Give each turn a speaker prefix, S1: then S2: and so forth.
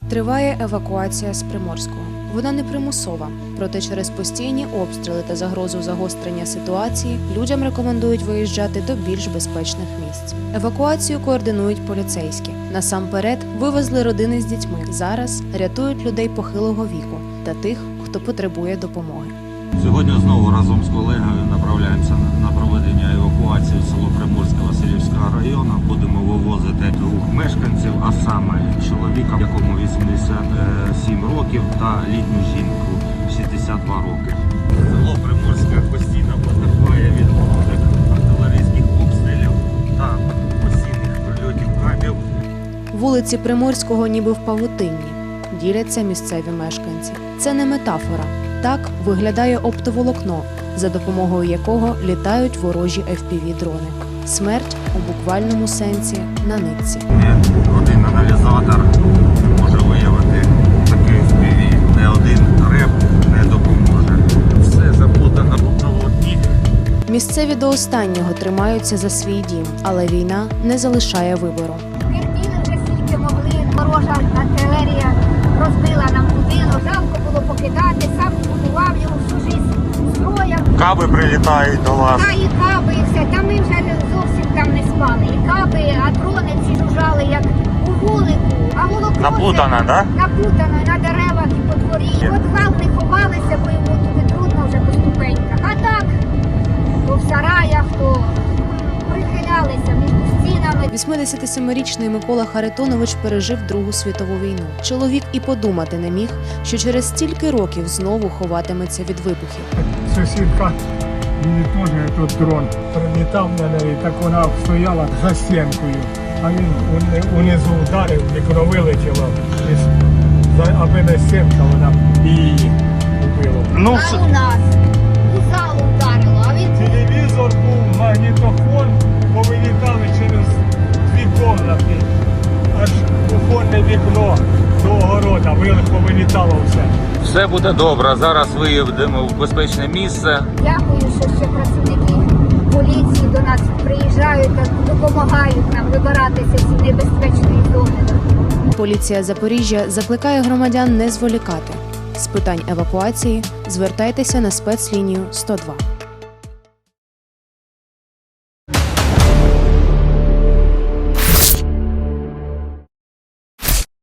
S1: Триває евакуація з Приморського. Вона не примусова, проте через постійні обстріли та загрозу загострення ситуації людям рекомендують виїжджати до більш безпечних місць. Евакуацію координують поліцейські. Насамперед вивезли родини з дітьми. Зараз рятують людей похилого віку та тих, хто потребує допомоги.
S2: Сьогодні знову разом з колегою направляємося на проведення евакуації в село Приморське Василівського району. Будемо вивозити двох мешканців, а саме чоловіка, якому 87 років, та літню жінку 62 роки. Село Приморське постійно потерпає від артилерійських обстрілів та постійних прильотів кабів.
S1: Вулиці Приморського ніби в павутинні, діляться місцеві мешканці. Це не метафора. Так виглядає оптоволокно, за допомогою якого літають ворожі FPV-дрони. Смерть у буквальному сенсі на нитці.
S2: Один аналізатор може виявити такий FPV. Не один реп не допоможе. Все заплутано в оптоволокні.
S1: Місцеві до останнього тримаються за свій дім, але війна не залишає вибору.
S3: Терпіли вже скільки могли, ворожа артилерія розбила нам будинок, жалко було покидати, сам будував його всю життя строяв.
S2: Каби прилітають до вас.
S3: Та і каби, і все, та ми вже зовсім там не спали. І каби, а дрони ці жужжали, як у вулику, а молоко
S2: Напутано,
S3: все
S2: да?
S3: напутано на деревах і по дворі. От хал не ховалися, бо йому туди трудно вже по ступеньках. А так, то в сараях, то прихилялися між стінами.
S1: 87-річний Микола Харитонович пережив Другу світову війну. Чоловік і подумати не міг, що через стільки років знову ховатиметься від вибухів.
S4: Сусідка, мені теж тут дрон прилітав на неї, так вона стояла за стінкою, а він унизу вдарив, вікно вилетіло, аби не стінка, вона б її вбила.
S2: Ну,
S3: А у нас у залу вдарило, а він
S4: Телевізор був, магнітофон, повилітали через дві кімнати, аж кухонне вікно до огорода, повилітало все.
S2: все буде добре. Зараз виїдемо в безпечне місце.
S3: дякую, що ще працівники поліції до нас приїжджають та допомагають нам вибиратися з цієї небезпечної зони.
S1: Поліція Запоріжжя закликає громадян не зволікати. З питань евакуації звертайтеся на спецлінію 102.